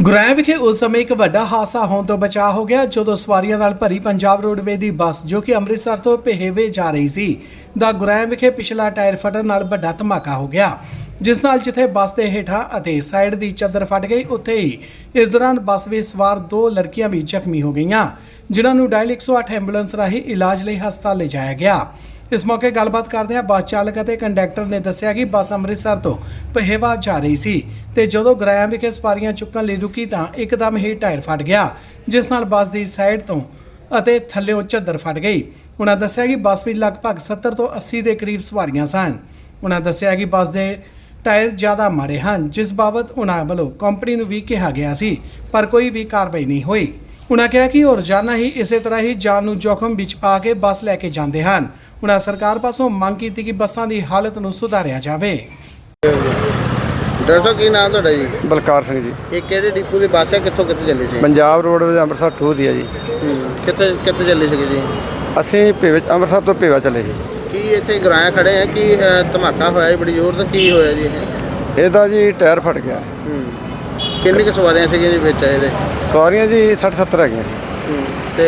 ਗੁਰੈਂ ਵਿਖੇ ਉਸ ਸਮੇਂ ਇੱਕ ਵੱਡਾ ਹਾਦਸਾ ਹੋਣ ਤੋਂ ਬਚਾ ਹੋ ਗਿਆ ਜਦੋਂ ਸਵਾਰੀਆਂ ਨਾਲ ਭਰੀ ਪੰਜਾਬ ਰੋਡਵੇਜ਼ ਦੀ ਬੱਸ ਜੋ ਕਿ ਅੰਮ੍ਰਿਤਸਰ ਤੋਂ ਪਹੇਵੇ ਜਾ ਰਹੀ ਸੀ ਦਾ ਗੁਰੈਂ ਵਿਖੇ ਪਿਛਲਾ ਟਾਇਰ ਫਟਣ ਨਾਲ ਵੱਡਾ ਧਮਾਕਾ ਹੋ ਗਿਆ, ਜਿਸ ਨਾਲ ਜਿੱਥੇ ਬੱਸ ਦੇ ਹੇਠਾਂ ਅਤੇ ਸਾਈਡ ਦੀ ਚੱਦਰ ਫਟ ਗਈ, ਉੱਥੇ ਹੀ ਇਸ ਦੌਰਾਨ ਬੱਸ ਵਿੱਚ ਸਵਾਰ 2 ਲੜਕੀਆਂ ਵੀ ਜ਼ਖਮੀ ਹੋ ਗਈਆਂ, ਜਿਨ੍ਹਾਂ ਨੂੰ ਡਾਇਲ 108 ਐਂਬੂਲੈਂਸ ਰਾਹੀਂ ਇਲਾਜ ਲਈ ਹਸਪਤਾਲ ਲਿਜਾਇਆ ਗਿਆ। इस मौके गलबात करदे बस चालक और कंडक्टर ने दस्सिया कि बस अमृतसर तो पहेवा जा रही सी ते जदों गुरैं विखे सवारियां चुकण लई रुकी तां एकदम ही टायर फट गया, जिस नाल बस की साइड तो अते थल्लेों झद्दर फट गई। उन्हां दस्सिया कि बस में लगभग 70 तो 80 के करीब सवारियां सन। उन्हां दस्सिया कि बस के टायर ज़्यादा माड़े हैं, जिस बाबत उन्हां वल्लों कंपनी नूं भी कहा गया सी, पर कोई भी कार्रवाई नहीं हुई। उन्होंने कहा कि रोजाना ही इस तरह ही जान नूं जोखम विच पा के बस लैके जाते हैं। उन्होंने सरकार पासों मंग की कि बसां की हालत नूं सुधारिया जाए। डॉक्टर साहब की नाम तुहाडा जी? बलकार सिंह जी। ये किहड़े डिपो की बस है, कित्थों कित्थे चली सी? पंजाब रोडवेज अमृतसर 2 दी है जी। कित्थे कित्थे चली सी जी? असीं अमृतसर तो भेवा चले जी। की इत्थे गुरैं खड़े हैं कि धमाका होया जी बड़ी जोर? तो की होया जी ਇਹਦਾ जी टायर फट गया। किन्नी क सवारियां सी जी विच ਇਹਦੇ? सवारियां जी 60-70 हैगियां। ते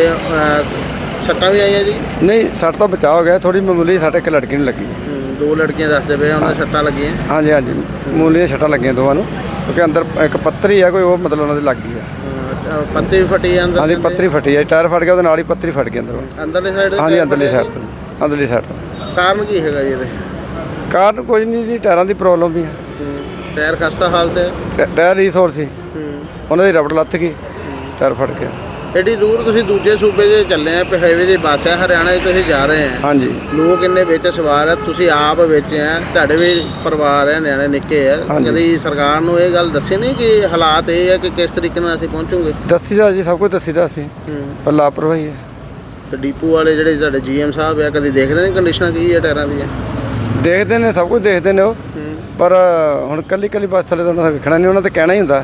सट्टां भी आईयां जी? नहीं, सट तो बचाव हो गया, थोड़ी मामूली सट एक लड़की नूं लगी। 2 लड़कियां दसदे पे उन्हां सट्टां लगियां? हाँ जी हाँ जी, मामूली सट्टां लगियां दोवां नूं, क्योंकि अंदर एक पत्थरी है कोई, वो मतलब उन्हां दे लग गई है। पत्ती भी फटी है अंदर? हाँ जी, पत्थरी फटी है, टायर फट गया, ਉਹਦੇ ਨਾਲ ਹੀ पत्थरी फट गई अंदरों। अंदरली साइड? हाँ जी, अंदरली साइड तो, अंदरली साइड तो। कारण की हैगा जी ਇਹਦੇ? ਕਾਰਨ ਕੋਈ ਨਹੀਂ ਜੀ, ਟਾਇਰਾਂ ਦੀ ਪ੍ਰੋਬਲਮ ਵੀ ਹੈ। टायर खस्ता हालत है? ਟਾਇਰ ਰੀਸੋਰ ਸੀ, ਉਹਨਾਂ ਦੀ ਰਬੜ ਲੱਥ ਗਈ, ਟਾਇਰ ਫਟ ਗਿਆ। एडी दूर तुसीं दूजे सूबे 'ਚ ਚੱਲੇ ਆ, ਪਹੇਵੇ ਦੀ ਬੱਸ ਹੈ, ਹਰਿਆਣਾ 'ਚ ਤੁਸੀਂ ਜਾ ਰਹੇ ਆ। ਹਾਂਜੀ। ਲੋਕ ਇੰਨੇ ਵਿੱਚ ਸਵਾਰ ਆ, ਤੁਸੀਂ ਆਪ ਵਿੱਚ ਆ, ਤੁਹਾਡੇ ਵੀ ਪਰਿਵਾਰ ਹੈ, ਨਿਆਣੇ ਨਿੱਕੇ ਆ, ਕਦੀ ਸਰਕਾਰ ਨੂੰ ਇਹ ਗੱਲ ਦੱਸੀ ਨਹੀਂ ਕਿ ਹਾਲਾਤ ਇਹ ਹੈ ਕਿ ਕਿਸ ਤਰੀਕੇ ਨਾਲ ਅਸੀਂ ਪਹੁੰਚੂਗੇ? ਦੱਸੀਦਾ ਜੀ, ਸਭ ਕੁਝ ਦੱਸੀਦਾ ਅਸੀਂ, ਪਰ ਲਾਪਰਵਾਹੀ ਹੈ। ਤੇ ਡੀਪੂ ਵਾਲੇ ਜਿਹੜੇ ਤੁਹਾਡੇ ਜੀਐਮ ਸਾਹਿਬ ਆ, ਕਦੀ ਦੇਖਦੇ ਨੇ ਕੰਡੀਸ਼ਨਾਂ ਕੀ ਹੈ ਟਾਇਰਾਂ ਦੀਆਂ? ਦੇਖਦੇ ਨੇ, ਸਭ ਕੁਝ ਦੇਖਦੇ ਨੇ ਉਹ, ਪਰ ਹੁਣ ਕੱਲੀ ਬੱਸ ਥੱਲੇ ਤਾਂ ਉਹਨਾਂ ਦਾ ਵੇਖਣਾ ਨਹੀਂ, ਉਹਨਾਂ ਤੇ ਕਹਿਣਾ ਹੀ ਹੁੰਦਾ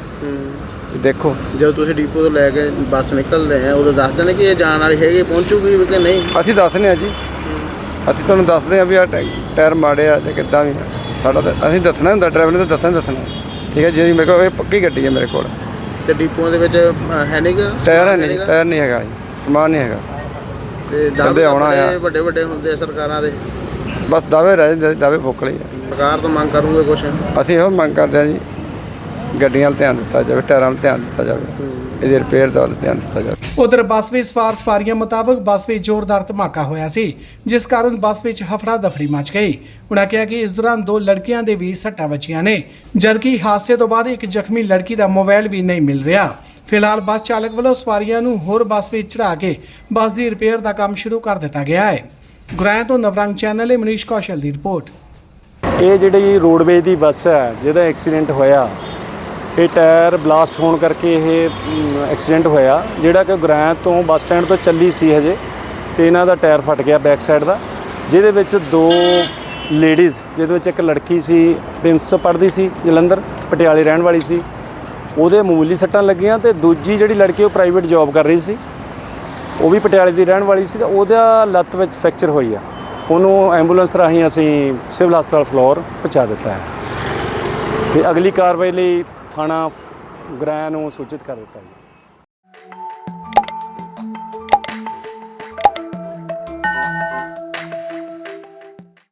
ਦੇਖੋ। ਜਦੋਂ ਤੁਸੀਂ ਡੀਪੂ ਤੋਂ ਲੈ ਕੇ ਬੱਸ ਨਿਕਲਦੇ ਆ, ਉਦੋਂ ਦੱਸਦੇ ਨੇ ਕਿ ਇਹ ਜਾਣ ਵਾਲੀ ਹੈਗੀ, ਪਹੁੰਚੂਗੀ ਕਿ ਨਹੀਂ? ਅਸੀਂ ਦੱਸਦੇ ਹਾਂ ਜੀ, ਅਸੀਂ ਤੁਹਾਨੂੰ ਦੱਸਦੇ ਹਾਂ ਵੀ ਆ ਟਾਇਰ ਮਾੜੇ ਆ ਜਾਂ ਕਿੱਦਾਂ ਵੀ ਸਾਡਾ ਤਾਂ ਅਸੀਂ ਦੱਸਣਾ ਹੁੰਦਾ, ਡਰਾਈਵਰ ਨੇ ਤਾਂ ਦੱਸਣਾ ਠੀਕ ਹੈ ਜੀ। ਮੇਰੇ ਕੋਲ ਇਹ ਪੱਕੀ ਗੱਡੀ ਹੈ ਮੇਰੇ ਕੋਲ। ਤੇ ਡੀਪੂਆਂ ਦੇ ਵਿੱਚ ਹੈ ਨਹੀਂ ਗਾ ਟਾਇਰ? ਹੈ ਨਹੀਂ, ਟਾਇਰ ਨਹੀਂ ਹੈਗਾ ਜੀ, ਸਮਾਨ ਨਹੀਂ ਹੈਗਾ। ਤੇ ਦਾਅਵੇ ਆਉਣਾ ਵੱਡੇ ਵੱਡੇ ਹੁੰਦੇ ਸਰਕਾਰਾਂ ਦੇ, ਬਸ ਦਾਅਵੇ ਰਹਿ ਜਾਂਦੇ, ਦਾਅਵੇ ਫੁੱਕ ਲਈ। ਸਰਕਾਰ ਤੋਂ ਮੰਗ ਕਰੂੰਗੇ ਕੁਛ? ਅਸੀਂ ਇਹੋ ਮੰਗ ਕਰਦੇ ਹਾਂ ਜੀ, ਗੱਡੀਆਂ 'ਤੇ ਧਿਆਨ ਦਿੱਤਾ ਜਾਵੇ, ਟਾਇਰਾਂ 'ਤੇ ਧਿਆਨ ਦਿੱਤਾ ਜਾਵੇ, ਇਹਦੇ ਰਿਪੇਅਰ ਦਾ ਧਿਆਨ ਦਿੱਤਾ ਜਾਵੇ। उधर बस में सवार सवारियों मुताबिक बस में जोरदार धमाका होया सी, जिस कारण बस में हफड़ा दफड़ी मच गई। उन्होंने कहा कि इस दौरान 2 लड़कियां दे भी सट्टां वजियां ने, जबकि हादसे तो बाद एक जख्मी लड़की का मोबाइल भी नहीं मिल रहा। फिलहाल बस चालक वालों सवारियां नूं होर बस में चढ़ा के बस की रिपेयर का काम शुरू कर दिता गया है। गुरैं तो नवरंग चैनल मनीष कौशल की रिपोर्ट। ਇਹ ਜਿਹੜੀ ਰੋਡਵੇਜ਼ ਦੀ ਬੱਸ ਹੈ ਜਿਹਦਾ ਐਕਸੀਡੈਂਟ ਹੋਇਆ, ਇਹ ਟਾਇਰ ਬਲਾਸਟ ਹੋਣ ਕਰਕੇ ਇਹ ਐਕਸੀਡੈਂਟ ਹੋਇਆ, ਜਿਹੜਾ ਕਿ ਗੁਰੈਂ ਤੋਂ ਬੱਸ ਸਟੈਂਡ ਤੋਂ ਚੱਲੀ ਸੀ ਹਜੇ, ਤੇ ਇਹਨਾਂ ਦਾ ਟਾਇਰ ਫਟ ਗਿਆ ਬੈਕ ਸਾਈਡ ਦਾ, ਜਿਹਦੇ ਵਿੱਚ 2 ਲੇਡੀਜ਼, ਜਿਹਦੇ ਵਿੱਚ ਇੱਕ ਲੜਕੀ ਸੀ 300 ਪੜ੍ਹਦੀ ਸੀ, ਜਲੰਧਰ ਪਟਿਆਲੇ ਰਹਿਣ ਵਾਲੀ ਸੀ, ਉਹਦੇ ਮਾਮੂਲੀ ਸੱਟਾਂ ਲੱਗੀਆਂ, ਤੇ ਦੂਜੀ ਜਿਹੜੀ ਲੜਕੀ ਉਹ ਪ੍ਰਾਈਵੇਟ ਜੌਬ ਕਰ ਰਹੀ ਸੀ, ਉਹ ਵੀ ਪਟਿਆਲੇ ਦੀ ਰਹਿਣ ਵਾਲੀ ਸੀ, ਤੇ ਉਹਦਾ ਲੱਤ ਵਿੱਚ ਫ੍ਰੈਕਚਰ ਹੋਈ ਆ। ਉਹਨੂੰ ਐਂਬੂਲੈਂਸ ਰਾਹੀਂ ਅਸੀਂ ਸਿਵਲ ਹਸਪਤਾਲ ਫਲੋਰ ਪਹੁੰਚਾ ਦਿੱਤਾ ਹੈ, ਤੇ ਅਗਲੀ ਕਾਰਵਾਈ ਲਈ ਥਾਣਾ ਗੁਰੈਂ ਨੂੰ ਸੂਚਿਤ ਕਰ ਦਿੱਤਾ ਹੈ।